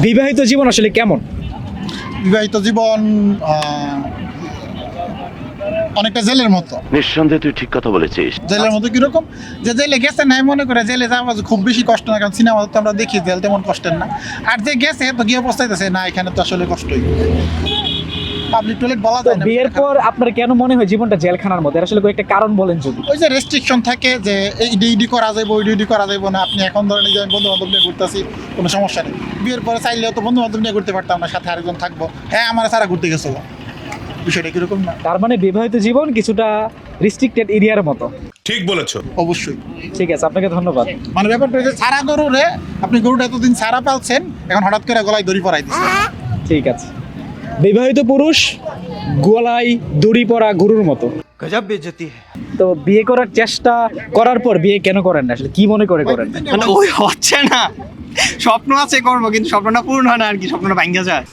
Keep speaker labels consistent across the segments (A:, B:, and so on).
A: বিবাহিত জীবন আসলে কেমন?
B: বিবাহিত জীবন অনেকটা জেলের মতো।
C: নিঃসন্দেহে তুই ঠিক কথা বলেছিস।
B: জেলের মতো কিরকম, যে জেলে গেছে নাই মনে করে জেলে যাওয়া খুব বেশি কষ্ট না, কারণ সিনেমা তো আমরা দেখি জেল তেমন কষ্টের না। আর যে গেছে তো গিয়ে পস্তাইতেছে না, এখানে তো আসলে কষ্টই। পাবলিক টয়লেট বলা যায় না।
A: বিয়ের পর আপনার কেন মনে হয় জীবনটা জেলখানার মধ্যে? আসলে একটা কারণ বলেন যদি।
B: ওই যে রেস্ট্রিকশন থাকে যে ইডি করা যাইবো, ইডি করা যাইবো না। আপনি এখন ধরেন যে বন্ধু বান্ধব নিয়ে ঘুরতেছি, কোনো সমস্যা নেই। বিয়ের পরে চাইলেও তো বন্ধু বান্ধব নিয়ে ঘুরতে পারতাম না, সাথে আরেকজন থাকবো। হ্যাঁ, আমার সারা ঘুরতে গেছিল, বিষয়টা কিরকম না?
A: তার মানে বিবাহিত জীবন কিছুটা রিস্ট্রিক্টেড এরিয়ার মতো।
D: ঠিক বলেছো।
B: অবশ্যই।
A: ঠিক আছে, আপনাকে ধন্যবাদ।
B: মানে ব্যাপারটা হচ্ছে সারা গরুরে আপনি গরুটা এতদিন সারা পালছেন, এখন হঠাৎ করে গলায় দড়ি পরাই দিচ্ছেন।
A: ঠিক আছে। বিবাহিত পুরুষ গলায় দড়ি পরা গরুর মতো।
E: গজব বেইজ্জতি।
A: তো বিয়ে করার চেষ্টা করার পর বিয়ে কেন করেন না? আসলে কি মনে করে করেন?
E: মানে ওই হচ্ছে না, স্বপ্ন আছে করবো, কিন্তু স্বপ্নটা পূর্ণ হয় না আর কি, স্বপ্নটা ভাঙ্গা যায়।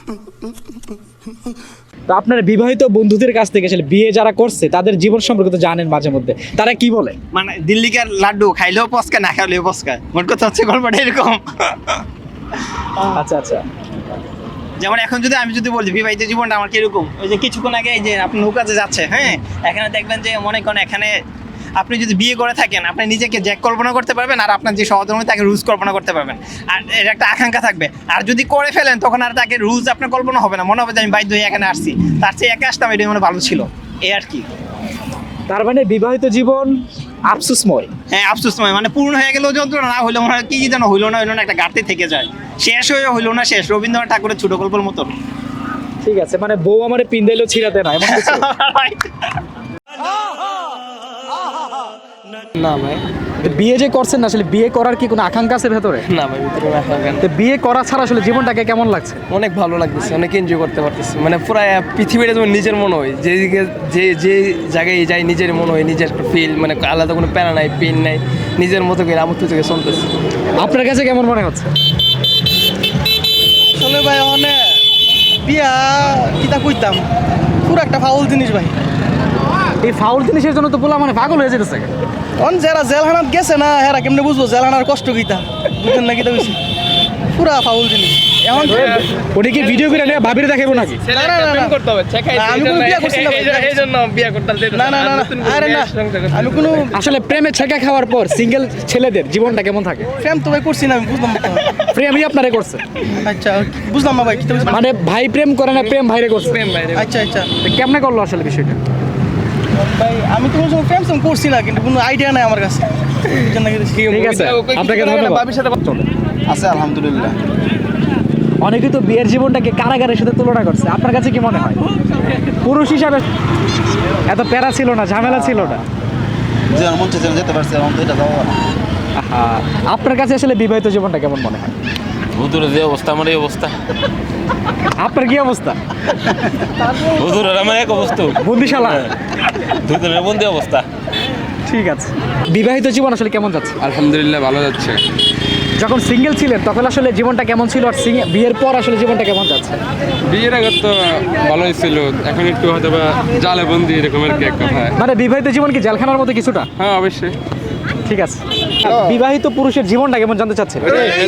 A: তো আপনার বিবাহিত বন্ধুদের কাছ থেকে আসলে বিয়ে যারা করছে তাদের জীবন সম্পর্কে তো জানেন মাঝে মধ্যে, তারা কি বলে?
E: মানে দিল্লিকার লাড্ডু খাইলেও পস্কায়, না খাইলেও পস্কায়। মোট কথা হচ্ছে গল্পটা এরকম।
A: আচ্ছা আচ্ছা।
E: যেমন এখন যদি আমি যদি বলি বিবাহিত জীবনটা আমার কিরকম, ওই যে কিছুক্ষণ আগে এই যে আপনি নৌকাতে যাচ্ছে, হ্যাঁ, এখানে দেখবেন যে মনে করেন এখানে আপনি যদি বিয়ে করে থাকেন, আপনি নিজেকে জ্যাক কল্পনা করতে পারবেন, আর আপনার যে সহধর্মী তাকে রুলস কল্পনা করতে পারবেন, আর এর একটা আকাঙ্ক্ষা থাকবে। আর যদি করে ফেলেন তখন আর তাকে রুলস আপনার কল্পনা হবে না, মনে হবে যে আমি বাধ্য হয়ে এখানে আসছি, তার চেয়ে একা আসতাম, এটাই মনে ভালো ছিল, এই আর কি।
A: তার মানে বিবাহিত জীবন আফসোসময়।
E: হ্যাঁ, আফসোসময়, মানে পূর্ণ হয়ে গেলেও যন্ত্রণা, না হইলো মনে হয় কি যেন হইলো না একটা ঘাটতি থেকে যায়, শেষ হয়ে হইলো না শেষ, রবীন্দ্রনাথ ঠাকুরের ছোট গল্পের মতো।
A: ঠিক আছে, মানে বউ আমারে পিন্দাইলেও ছিড়াতে না, এমন কিছু?
F: না ভাই,
A: তো বিয়ে যে করছেন না, আসলে বিয়ে করার কি কোনো আকাঙ্ক্ষা আছে ভেতরে?
F: না ভাই, ভিতরে রাখা গান।
A: তো বিয়ে করা ছাড়া আসলে জীবনটাকে কেমন লাগছে?
F: অনেক ভালো লাগতেছে, অনেক এনজয় করতে পারতেছি। মানে পুরো পৃথিবীটা যেমন নিজের মনে হয়, যেদিকে যে জায়গায় যাই নিজের মনে হয়, নিজের একটা ফিল, মানে আলাদা কোনো প্যারা নাই, পেন নাই, নিজের মতো করে আমত্ত থেকে চলতেছে।
A: আপনার কাছে কেমন মনে হচ্ছে?
G: আসলে ভাই অনেক বিয়া কিতা কইতাম, পুরো একটা ফাউল জিনিস ভাই।
A: এই ফাউল জিনিসের জন্য তো পোলা মানে পাগল হয়ে যেতেছে।
G: অন যারা জেলখানাত গেছে না, হেরা কেমনে বুঝবো জেলখানার কষ্ট কিতা, বুঝছেন না কিতা কইছি, পুরা ফাউল জিনিস। এখন
A: ওটা কি ভিডিও করে নিয়ে ভাবিরে দেখাবো নাকি?
G: না, না, না, না। আমি কোনো বিয়া করছি না ভাই। না, না, না, না। আরে না, আমি কোনো
A: আসলে প্রেমে ছেঁকা খাওয়ার পর সিঙ্গেল ছেলেদের জীবনটা কেমন থাকে?
G: প্রেম তো ভাই করছি না, আমি বুঝলাম না।
A: প্রেমই আপনারে করছে?
G: আচ্ছা, বুঝলাম না ভাই, কিতা বুঝলাম।
A: মানে ভাই প্রেম করে না, প্রেম ভাইরে করছে?
G: আচ্ছা, আচ্ছা
A: তো কেমনে করলো আসলে বিষয়টা?
G: ভাই, আমি তো কোনো সময় প্রেম সেম করছি না, কিন্তু কোনো আইডিয়া নাই আমার কাছে, বুঝছেন না?
A: ঠিক আছে, আপনাকে ধন্যবাদ। চলে।
B: আছে আলহামদুলিল্লাহ।
A: অনেকেই তো বিয়ের জীবনটাকে কারাগারের সাথে তুলনা করছে, আপনার কাছে কি মনে হয়? পুরুষ হিসাবে এত প্যারা ছিল না, ঝামেলা ছিল না?
B: যে মন চাইছে যেতে পারছে, এখন তো এটা যাওয়া না।
A: আহা, আপনার কাছে আসলে বিবাহিত জীবনটা কেমন মনে হয়?
H: হুজুরের যে অবস্থা, আমার এই অবস্থা।
A: আপনার কি অবস্থা?
H: হুজুরের আমার এক অবস্থা,
A: বন্দিশালা।
H: দুজনের বন্দি অবস্থা।
A: ঠিক আছে। বিবাহিত জীবন আসলে কেমন যাচ্ছে?
F: আলহামদুলিল্লাহ, ভালো যাচ্ছে।
A: যখন সিঙ্গেল ছিলেন তখন আসলে জীবনটা কেমন ছিল, আর বিয়ের পর আসলে জীবনটা কেমন যাচ্ছে?
F: বিয়ের আগে তো ভালোই ছিল, এখন একটু হয়তো বা জালে বন্দি এরকমের কি এক কথা।
A: মানে বিবাহিত জীবন কি জেলখানার মতো কিছুটা?
F: হ্যাঁ, অবশ্যই।
A: ঠিক আছে। বিবাহিত পুরুষের জীবনটা কেমন জানতে চাচ্ছেন?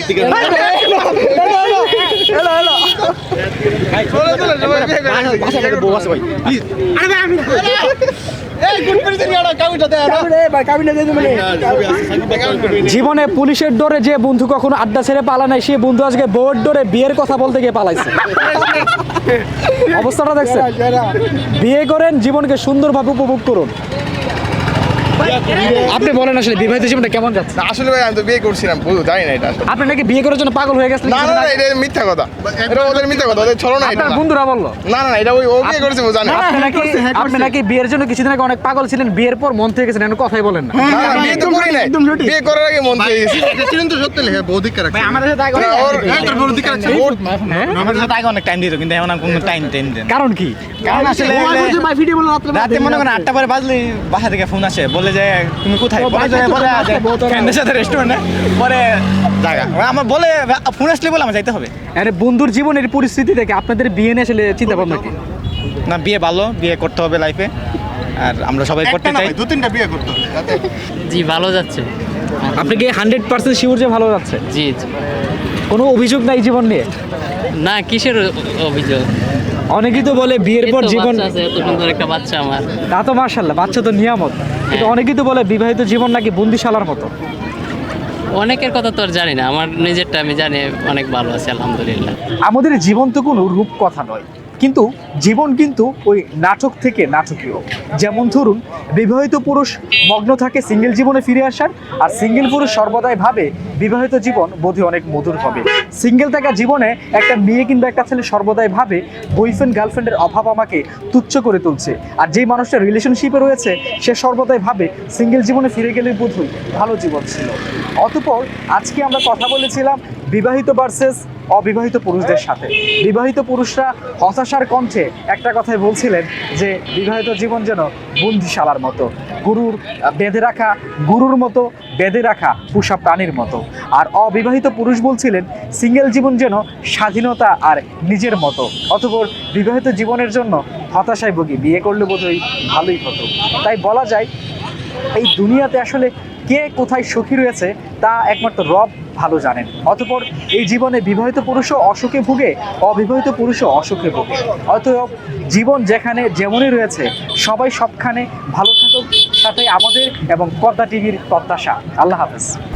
A: জীবনে পুলিশের ডরে যে বন্ধু কখনো আড্ডা ছেড়ে পালা নাই, সে বন্ধু আজকে বউয়ের ডরে বিয়ের কথা বলতে গিয়ে পালাইছে। অবস্থাটা দেখছেন? বিয়ে করেন, জীবনকে সুন্দরভাবে উপভোগ করুন। আপনি বলেন আসলে বিবাহিত জীবনটা কেমন যাচ্ছে?
D: আসলে ভাই আমি তো বিয়ে করছিলাম, জানি না এটা।
A: আপনি নাকি বিয়ে করার জন্য পাগল হয়ে গেছেন?
D: না, না, এটা মিথ্যা কথা, এটা ওদের মিথ্যা কথা, ওদের ছলনা এটা।
A: আপনার বন্ধুরা বললো।
D: না, না, এটা ওই ও বিয়ে করেছে, ও জানে।
A: আপনি নাকি বিয়ের জন্য কিছুদিন আগে অনেক পাগল ছিলেন, বিয়ের পর মন থেকে গেছেন, কথাই বলেন না।
D: না, না, বিয়ে তো করি নাই, বিয়ে করার আগে মন থেকে গেছি।
B: এটা ছিলেন তো সত্যি লেখা বৌদিকা রাখছে।
G: আমাদের সাথে আগে
B: তোর বৌদিকা রাখছে।
G: আমাদের সাথে আগে অনেক টাইম দিত, কিন্তু এখন আর কোনো টাইম দেন।
A: কারণ কি?
G: কারণ আসলে রাতে মনে করেন 8টা পরে বাজলে বাসা থেকে ফোন আসে, বলে যে তুমি কোথায়, বলে যে ফ্রেন্ডের সাথে রেস্টুরেন্টে, পরে জায়গা আমার বলে ফোন আসলে বলে আমার যাইতে হবে।
A: আরে বন্ধুর জীবনের পরিস্থিতি থেকে আপনাদের বিয়ে নিয়ে আসলে চিন্তা ভাবনা কি?
G: না, বিয়ে ভালো, বিয়ে করতে হবে লাইফে, আর আমরা সবাই করতে চাই।
B: 2-3টা বিয়ে করতে হবে
I: জি, ভালো যাচ্ছে।
A: আপনি কি 100% শিওর যে ভালো যাচ্ছে?
I: জি জি।
A: কোনো অভিযোগ নাই জীবন নিয়ে?
I: না, কিসের অভিযোগ?
A: অনেকেই তো বলে বিয়ের পর জীবন,
I: আছে এত সুন্দর একটা বাচ্চা আমার।
A: তা তো মার্শাল্লাহ, বাচ্চা তো নিয়ামত, কিন্তু অনেকেই তো বলে বিবাহিত জীবন নাকি বন্দিশালার মতো।
I: অনেকের কথা তো আর জানি না, আমার নিজেরটা আমি জানি অনেক ভালো আছে আলহামদুলিল্লাহ।
A: আমাদের জীবন তো কোনো রূপকথা নয়, কিন্তু জীবন কিন্তু ওই নাটক থেকে নাটকীয়। যেমন ধরুন, বিবাহিত পুরুষ মগ্ন থাকে সিঙ্গেল জীবনে ফিরে আসার, আর সিঙ্গেল পুরুষ সর্বদাই ভাবে বিবাহিত জীবন বোধহয় অনেক মধুর হবে। সিঙ্গেল থাকা জীবনে একটা মেয়ে কিংবা একটা ছেলে সর্বদাই ভাবে বয়ফ্রেন্ড গার্লফ্রেন্ডের অভাব আমাকে তুচ্ছ করে তুলছে, আর যেই মানুষটা রিলেশনশিপে রয়েছে সে সর্বদাই ভাবে সিঙ্গেল জীবনে ফিরে গেলে বোধহয় ভালো জীবন ছিল। অতঃপর আজকে আমরা কথা বলেছিলাম বিবাহিত ভার্সেস অবিবাহিত পুরুষদের সাথে। বিবাহিত পুরুষরা হতাশার কণ্ঠে একটা কথাই বলছিলেন যে বিবাহিত জীবন যেন বন্দিশালার মতো, গুরুর মতো বেঁধে রাখা পোষা প্রাণীর মতো। আর অবিবাহিত পুরুষ বলছিলেন সিঙ্গেল জীবন যেন স্বাধীনতা আর নিজের মতো। অতঃপর বিবাহিত জীবনের জন্য হতাশায় ভুগি, বিয়ে করলে বোধহয় ভালোই হতো। তাই বলা যায় এই দুনিয়াতে আসলে কে কোথায় সুখী রয়েছে তা একমাত্র রব ভালো জানেন। অতঃপর এই জীবনে বিবাহিত পুরুষও অসুখে ভুগে, অবিবাহিত পুরুষও অসুখে ভুগে। অতএব জীবন যেখানে যেমনই রয়েছে সবাই সবখানে ভালো থাকুক, সাথে আমাদের এবং পদ্মা টিভির প্রত্যাশা। আল্লাহ হাফেজ।